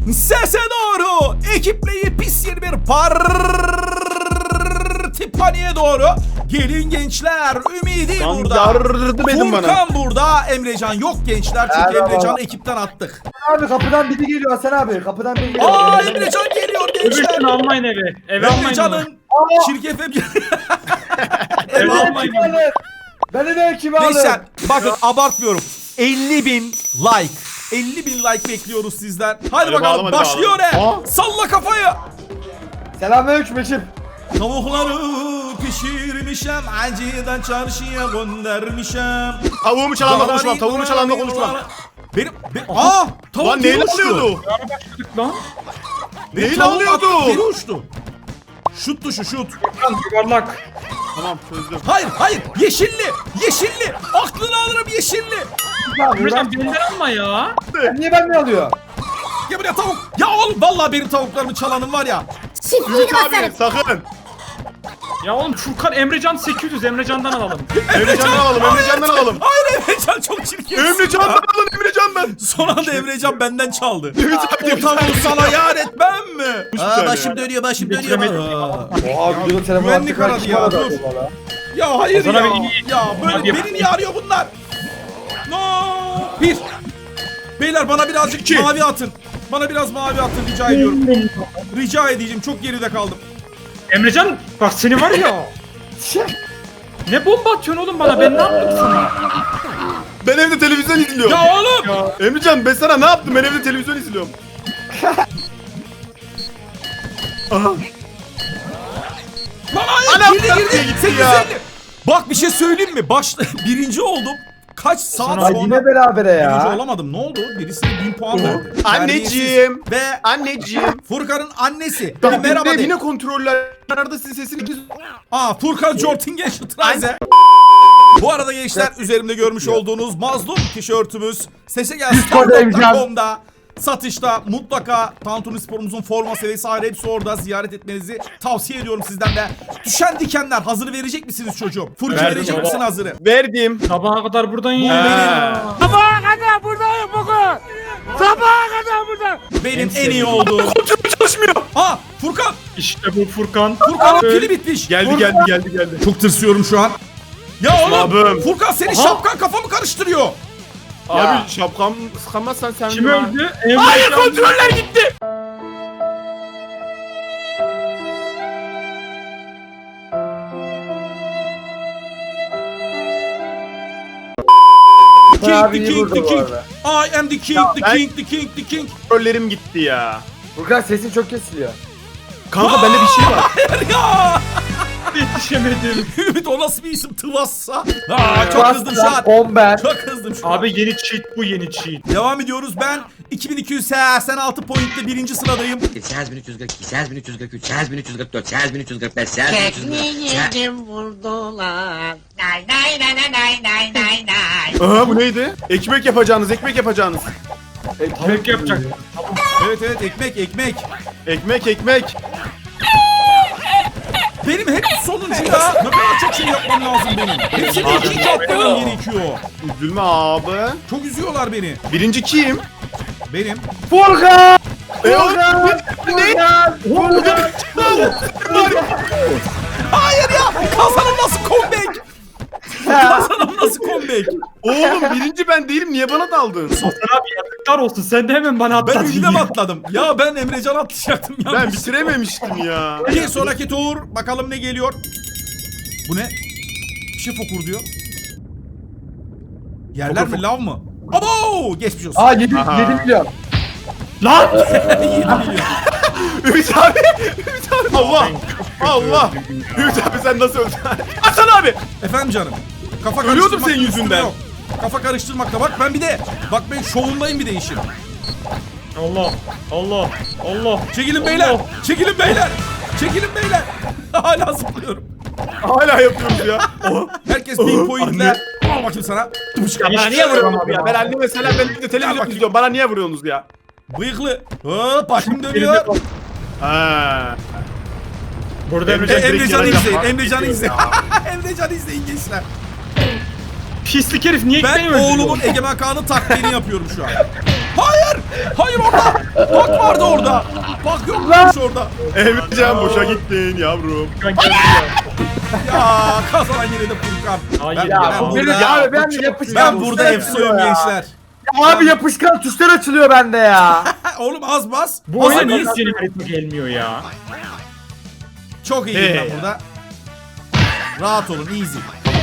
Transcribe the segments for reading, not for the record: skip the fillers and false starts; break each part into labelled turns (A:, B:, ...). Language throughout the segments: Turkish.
A: Sese doğru. Ekipleyi pis yeni bir parti paniğe doğru. Gelin gençler. Ümidi burada.
B: Yardım edin bana.
A: Furkan burada. Emrecan yok gençler. Çünkü
C: Merhaba.
A: Emrecan'ı ekipten attık.
C: Abi kapıdan biri geliyor Hasan abi. Kapıdan biri geliyor.
A: Aa Emrecan geliyor gençler.
D: Öbürsünü almayın eve. Eve almayın.
A: Emrecan'ın çirkefe bir...
D: Eve
C: Beni
D: almayın.
C: kim alır? Beni de kim alır?
A: Gençler bakın abartmıyorum. 50.000 like. 50.000 like bekliyoruz sizden. Hadi
B: Hadi
A: bakalım
B: bağlama,
A: başlıyor
B: hadi
A: ne?
B: bağlama.
A: Salla kafayı.
C: Selamünaleyküm ekip.
A: Tavukları pişirmişim, acıdan çarşıya göndermişim.
B: Tavuğumu çalanla konuşmam. Tavuğumu çalanla konuşmam.
A: Tavuk
B: Lan
A: geri
B: neyle
A: uçtu.
B: alıyordu?
D: Ara başladık lan.
B: Neyle
A: Tavuk
B: alıyordu?
A: attı, geri uçtu. Şut tuşu şut.
D: Lan yuvarlak.
B: Tamam çözdüm.
A: Hayır yeşilli aklını alırım yeşilli.
C: Ne yapıyor lan?
D: Emrecan benden alma ya.
C: Niye benden alıyor?
A: Ya buraya tavuk. Ya oğlum vallahi benim tavuklarımı çalanın var ya.
B: Ümit abi sakın.
D: Ya oğlum Furkan Emrecan 800 Emrecan'dan alalım.
B: Emrecan'dan alalım. Emrecan'dan alalım.
A: Hayır Emrecan çok çirkin.
B: Emrecan'dan alın Emrecan'dan.
A: Son anda Emrecan benden çaldı.
B: Ümit abi
A: O tavuğu sana yar etmem mi?
B: tane.
A: Başım dönüyor.
D: Bitiremedim.
C: Oha videonun telefonu
A: güvenlik
C: attık,
A: aradı
C: kim
A: ya,
C: aradı
A: dur.
C: acaba lan?
A: Ya hayır
D: Hasan
A: ya.
D: abi iyi.
A: Ya böyle
D: Hadi
A: beni
D: yap.
A: niye arıyor bunlar? No. Bir. Beyler bana birazcık
B: İki.
A: mavi atın. Bana biraz mavi atın rica ediyorum. Rica edeceğim. Çok geride kaldım.
D: Emrecan bak seni var ya. Ne bomba atıyorsun oğlum bana, ben ne yaptım sana?
B: Ben evde televizyon izliyorum.
A: Ya oğlum.
B: Emrecan ben sana ne yaptım? Ben evde televizyon izliyorum. Aha.
A: Lan hayır.
B: Anam,
A: Girdi
B: nereye
A: girdi.
B: gitti
A: 850.
B: ya?
A: Bak bir şey söyleyeyim mi? Birinci oldum. Kaç saat
D: Hasan
C: Ay
A: sonra
C: yine berabere
A: birinci
C: ya.
A: olamadım. Ne oldu? Birisine 1000 puan verdi.
B: Anneciğim.
A: Ve
B: Anneciğim.
A: Furkan'ın annesi.
B: Bak
A: Merhaba
B: yine,
A: de.
B: yine kontroller. Arada sizin sesini
A: Furkan Jortingen Şıtraze. Bu arada gençler üzerimde görmüş olduğunuz mazlum tişörtümüz sesegelstar.com'da satışta. Mutlaka Tantuni Spor'umuzun forması vesaire hepsi orada, ziyaret etmenizi tavsiye ediyorum sizden de. Düşen dikenler hazırı verecek misiniz çocuğum? Furki
D: Verdim
A: verecek
D: baba.
A: misin hazırı?
B: verdim.
D: Sabaha kadar buradayım
B: Ha.
D: ya.
A: Benim en iyi olduğum.
B: Kontrol çalışmıyor.
A: Furkan!
D: İşte bu Furkan.
A: Furkan'ın pili bitmiş.
B: Geldi.
A: Çok tırsıyorum şu an. Ya oğlum
B: Abim.
A: Furkan senin şapkan kafamı karıştırıyor.
B: Abi şapkam sıkamazsan sen
D: Kim
B: bana-
D: öldü?
B: Hayır
D: Emrecan.
B: kontroller gitti.
A: King,
C: Abi
A: the
C: iyi
A: king,
C: vurdu
A: the
C: bu
A: king.
C: arada.
A: I am the king,
B: Ya
A: the
B: ben-
A: king, the king, the king.
B: Kontrollerim gitti ya.
C: Furkan sesin çok kesiliyor.
B: Kanka bende bir şey var.
A: Hayır ya.
D: Yetişemedim.
A: Ümit o nasıl bir isim Tıvassa? Çok kızdım şu an.
C: Bomber.
A: Çok kızdım şu an.
D: Abi yeni cheat bu, yeni cheat.
A: Devam ediyoruz. Ben 2286 pointle birinci sıradayım.
E: 8342, 8343, 8344, 8345, 8345.
F: Tekniğimi vurdular. Nay nay nay nay nay nay nay nay.
B: Aha bu neydi? Ekmek yapacağınız.
D: Tavuk yapacak.
A: Evet ekmek.
B: Ekmek.
A: Benim hep sonuncu ya. Ne kadar çok şey yapmam lazım benim. Hepsini ikinci atmam gerekiyor.
B: Üzülme abi.
A: Çok üzüyorlar beni.
B: Birinci kim?
A: Benim.
C: Furkan!
B: Furkan!
C: Furkan!
A: Hayır ya. Kazanım nasıl comeback? Kazanım nasıl comeback?
B: Oğlum birinci ben değilim. Niye bana daldın?
D: Hasan abi yazıklar olsun, sen de hemen bana
A: Ben
D: atladın.
A: ünlem atladım. Ya ben Emrecan atlayacaktım ya.
B: Ben bitirememiştim ya.
A: Bir sonraki tur. Bakalım ne geliyor. Bu ne? Bir şey fokur diyor. Yerler mi lav mı? Abo! Geçmiş olsun.
C: Aa 7
B: Aha.
C: milyon.
D: Lan!
A: 7 milyon.
B: Ümit abi. Allah. Ümit abi sen nasıl öldün? Hasan abi.
A: Efendim canım. Kafa
B: Ölüyordum
A: karıştırmakta
B: senin
A: lüzum
B: yüzünden.
A: yok. Kafa karıştırmakta bak ben bir de bak ben şovundayım bir de işin.
D: Allah.
A: Çekilin beyler. Çekilin beyler. Çekilin beyler. Hala zıplıyorum.
B: Hala yapıyoruz ya. Oha.
A: Herkes 1000 pointle. Al bakayım sana.
B: Bana niye vuruyorsunuz ya? Ben anneme selam ben de televizyon
A: bakayım.
B: izliyorum. Bana niye vuruyorsunuz ya?
A: Bıyıklı. Hop başım dönüyor.
B: Ha.
D: Burada Emrecan
A: Emrecan'ı
B: direkt
A: izleyin.
B: yaracak.
A: Emrecan'ı izleyin. Emrecan'ı izleyin gençler.
D: pislik herif niye
A: Ben
D: beni öldürüyor?
A: oğlumun Egemen Kaan'ın taklidini yapıyorum şu an. Hayır! Hayır orada. Bak vardı orada. Bak yokmuş orada.
B: Emrecan boşa gittin yavrum.
D: Furkan geldi ya.
A: Ya kazanan yine de Furkan.
D: Hayır
A: Ben-
D: ya.
A: ben
C: Benim
A: burada-
C: abi ben de yapışkan.
A: Ben burada
C: tuşlar
A: efsoyum
C: açılıyor ya.
A: gençler.
C: Abi yapışkan tuşlar açılıyor bende ya.
A: Oğlum az bas.
D: Bu oyuna
A: Az
D: niye
A: bas.
D: yeni harita gelmiyor ya?
A: Çok iyiyim
B: Hey.
A: ben burada. Rahat olun, easy.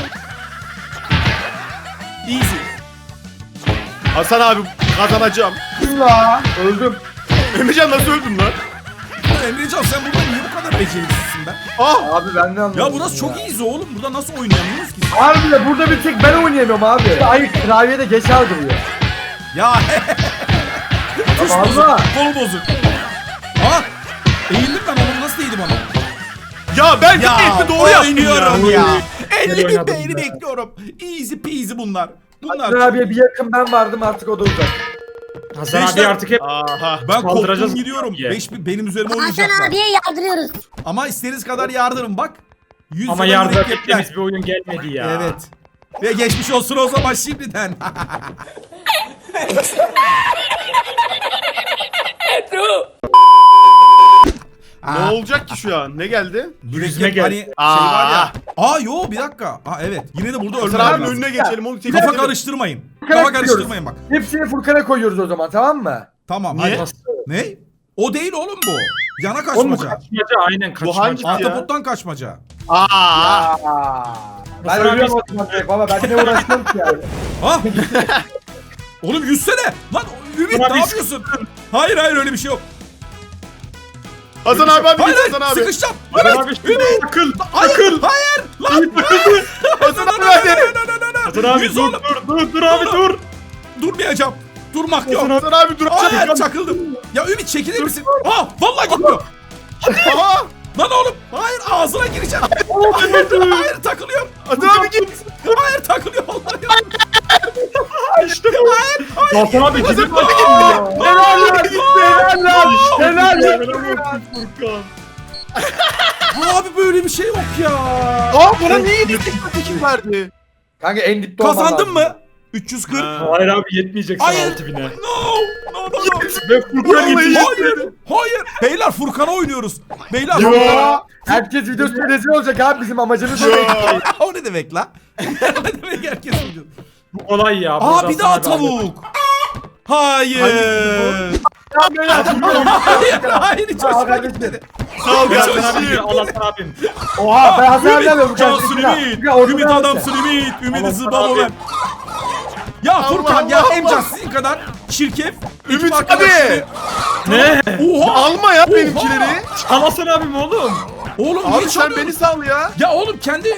A: Easy.
B: Hasan abi kazanacağım.
C: Kim la? Öldüm.
B: Emrecan nasıl öldün lan?
A: Ya Emrecan sen burada niye bu kadar beceriksizsin be?
B: Ah!
C: Abi ben de anlamadım.
A: Ya burası çok easy oğlum. Burada nasıl oynayamıyoruz ki?
C: Abi de burada bir tek ben oynayamıyorum abi. Hayır klavyede geç algılıyor.
A: Ya tuş
C: Ama
A: bozuk,
C: Allah.
A: kol bozuk. Ha? Eğildim ben oğlum, nasıl değdi bana?
B: Ya ben
A: Ya
B: de doğru yaptım
A: oynuyorum ya.
D: Güzel
A: 50 bin
D: oynadım
A: beğeni
D: ben.
A: bekliyorum. Easy peasy bunlar. Bunlar.
C: Hasan abiye bir yakın ben vardım artık o da uzak.
D: Hasan abi
A: Gençler-
D: artık hep
B: Aha.
A: Ben
D: Kaldıracağız
A: koptum gidiyorum.
D: diye.
A: 5000 benim üzerime
F: Hasan
A: oynayacaklar.
F: abiye yardırıyoruz.
A: Ama istediğiniz kadar yardırın bak. 100
D: ama
A: lira
D: yardım
A: mürekkepler.
D: ettiğimiz bir oyun gelmedi ya.
A: Evet. Ve geçmiş olsun o zaman şimdiden.
B: Ne olacak ki şu an? Ne geldi?
A: Mürekkep
D: gel.
A: hani şey
B: Aa.
A: var ya. Aa yo bir dakika. Aa evet. Yine de burada
B: Hasan
A: ölmem
B: abinin
A: lazım.
B: önüne geçelim onu tek
A: Kafa
B: edelim.
A: karıştırmayın.
C: Furkan'a
A: Kafa
C: gidiyoruz.
A: karıştırmayın bak.
C: Hepsini Furkan'a koyuyoruz o zaman tamam mı?
A: Tamam.
B: Niye?
A: hadi. Ne? O değil oğlum bu. Yana
D: Oğlum bu
A: kaçmaca.
D: kaçmaca aynen kaçmaca.
B: hangi- Ya.
A: Ahtapottan kaçmaca.
B: Aa!
C: Aa. Ben
D: Hasan abi-
C: ölüyorum o zaman direkt baba ben ne uğraşmam ki yani.
A: Ha? Oğlum yüzsene. Lan Ümit
D: Hasan
A: ne
D: abi
A: yapıyorsun? Hayır hayır öyle bir şey yok.
B: Hasan abi hadi
A: Hayır
B: git
A: hayır
B: Hasan abi.
A: sıkışacağım.
D: Hasan
A: Evet.
D: abi şimdi akıl.
A: Hayır
D: Akıl.
A: hayır. Lan.
B: Hasan abi hadi.
D: Hasan abi
A: Yüz
D: dur
A: oğlum.
D: dur abi dur.
A: Durmayacağım. Durmak yok.
B: Hasan abi dur.
A: Hayır çakıldım. Ya Ümit çekilir misin? Aa vallahi gitmiyor.
B: Aha!
A: Lan oğlum. Hayır ağzına gireceğim. Hayır takılıyorum.
B: Hasan abi git.
A: Hayır takılıyor vallahi.
D: İşte bu. Hasan abi gidip
C: Helal lan gitti helal lan. Helal lan.
D: Furkan.
A: Abi böyle bir şey yok ya.
B: Aa bana niye tekim verdi?
C: Kanka en dipte olman
A: Kazandın
C: lazım.
A: mı? 340.
D: Hayır abi yetmeyecek sana
A: Hayır.
D: 6000'e.
A: No.
D: Ve Furkan
B: Vallahi
D: yetişti.
A: Hayır. Hayır. Beyler Furkan'a oynuyoruz. Beyler.
C: Ya. Herkes videosunda rezil olacak abi bizim amacımız o değil.
A: O ne demek la? Ne demek herkes oynuyor?
D: Bu kolay ya.
A: Aa
D: Burada
A: bir daha
D: Hasan abi
A: tavuk. Hayır. Hayır. Hayır hiç
C: Aa,
A: hoşuma
C: kardeşim.
A: gitmedi.
B: Sağ ol
A: Hiç
B: Hasan
A: hoşuma
B: abi.
A: gitmedi.
D: Al Hasan abim.
C: Oha ben Hasan
A: Ümit
C: abi alıyorum.
A: cansın Ümit. Ümit adamsın Ümit. Ümit zıbalo ben. Ya Furkan ya
B: Allah.
A: Emcan sizin kadar çirkef.
B: Ümit
A: ekip
B: abi.
A: arkadaşları-
D: Ne?
A: Oha.
B: Alma ya benimkileri.
D: Al Hasan abim oğlum.
A: Oğlum
B: Abi
A: niye
B: sen
A: çalıyorsun?
B: beni sal ya.
A: Ya oğlum kendi...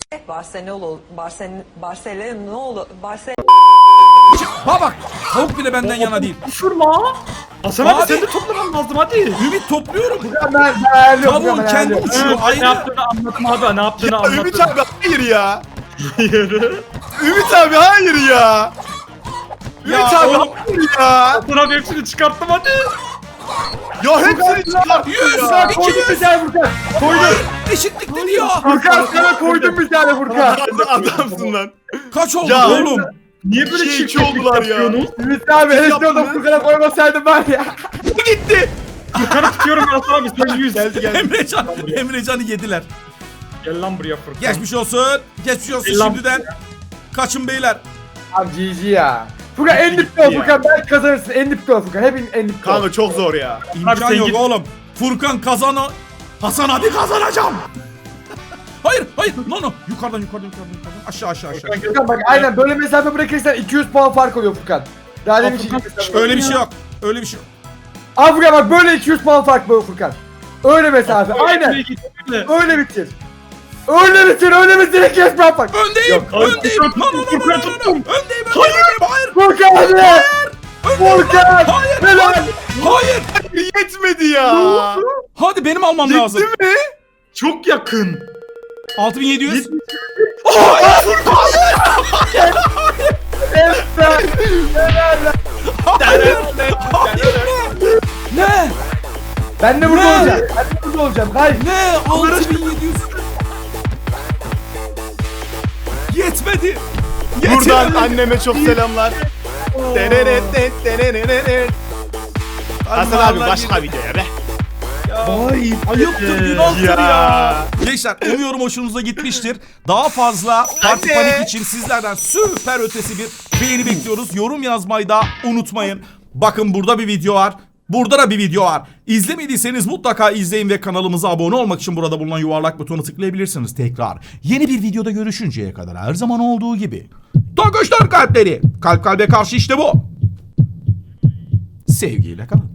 A: Ha bak tavuk bile benden yana değil.
D: Fırla. Hasan
A: Abi.
D: abi sen de toplaman lazım hadi.
A: Ümit topluyorum.
C: Ben ayarlıyorum.
A: Tavuğun
C: ben
A: kendi
C: ayarlıyorum.
A: uçuyor
D: Ne
A: ayrı.
D: yaptığını anlatma abi. Ne yaptığını anlatma.
B: Ümit abi hayır ya.
D: Hayır.
B: Ümit abi hayır ya. Ümit
A: Ya
B: abi
A: oğlum.
B: hayır ya.
D: Hasan abi hepsini çıkarttım hadi.
B: Ya hepsini çıkarttı
A: 100
B: ya.
C: Koydum bir
A: 200.
C: tane Furkan.
A: Hayır eşitlik dedi ya.
C: Furkan sana koydum bir tane Furkan.
B: Adamsın lan.
A: Kaç oldu
B: Ya.
A: oğlum?
D: Niye böyle
B: İki
D: çirkeflik
B: oldular ya.
D: yapıyorsunuz?
C: Ümit abi hele
B: yaptın
C: şurada
B: lan?
C: Furkan'a koymasaydım ben ya.
B: Bu gitti.
D: Furkan'ı tutuyorum Hasan abi sen 100.
B: Geldi.
A: Emrecan'ı yediler.
D: Gel lan buraya Furkan.
A: Geçmiş olsun. Geçmiş olsun
D: Selam.
A: şimdiden. Kaçın beyler.
C: Abi GG ya. Furkan en dipte ol
B: ya.
C: Furkan ben kazanırsın en dipte ol Furkan hepin en dipte ol.
B: Kanka çok zor ya.
A: İmkan
D: sen
A: yok
D: git.
A: oğlum. Furkan kazana. Hasan abi kazanacağım. Hayır hayır. No. Yukarıdan. Aşağı.
C: Furkan bak aynen böyle mesafe bırakırsan 200 puan fark oluyor Furkan. Daha demin şey
A: Öyle bir şey yok. Öyle bir şey yok.
C: Abi Furkan bak böyle 200 puan fark bu Furkan. Öyle mesafe aynen. Öyle bitir. Öyle bitir 200 puan fark.
A: Öndeyim.
D: Hayır,
A: Öndeyim.
D: Furkan,
A: No.
D: Furkan tuttum.
A: Öndeyim. Hayır.
C: Furkan hadi. Furkan.
A: Hayır.
C: Helal.
A: Hayır.
B: Yetmedi ya.
A: Hadi benim almam lazım.
B: Gitti mi?
D: Çok yakın.
A: 6700. Ne?
C: Ben de burada
A: Ne?
C: olacağım. Ben de burada olacağım. Hayır.
A: Ne? 6700. Yetmedi.
B: Buradan anneme çok selamlar. Hasan abi başka videoya be.
A: Ay, ayıptır, günahtır ya. Gençler umuyorum hoşunuza gitmiştir. Daha fazla Parti
B: Anne.
A: Panik için sizlerden süper ötesi bir beğeni bekliyoruz. Yorum yazmayı da unutmayın. Bakın burada bir video var. Burada da bir video var. İzlemediyseniz mutlaka izleyin ve kanalımıza abone olmak için burada bulunan yuvarlak butonu tıklayabilirsiniz tekrar. Yeni bir videoda görüşünceye kadar her zaman olduğu gibi. Tokoşlar kalpleri. Kalp kalbe karşı işte bu. Sevgiyle kalın.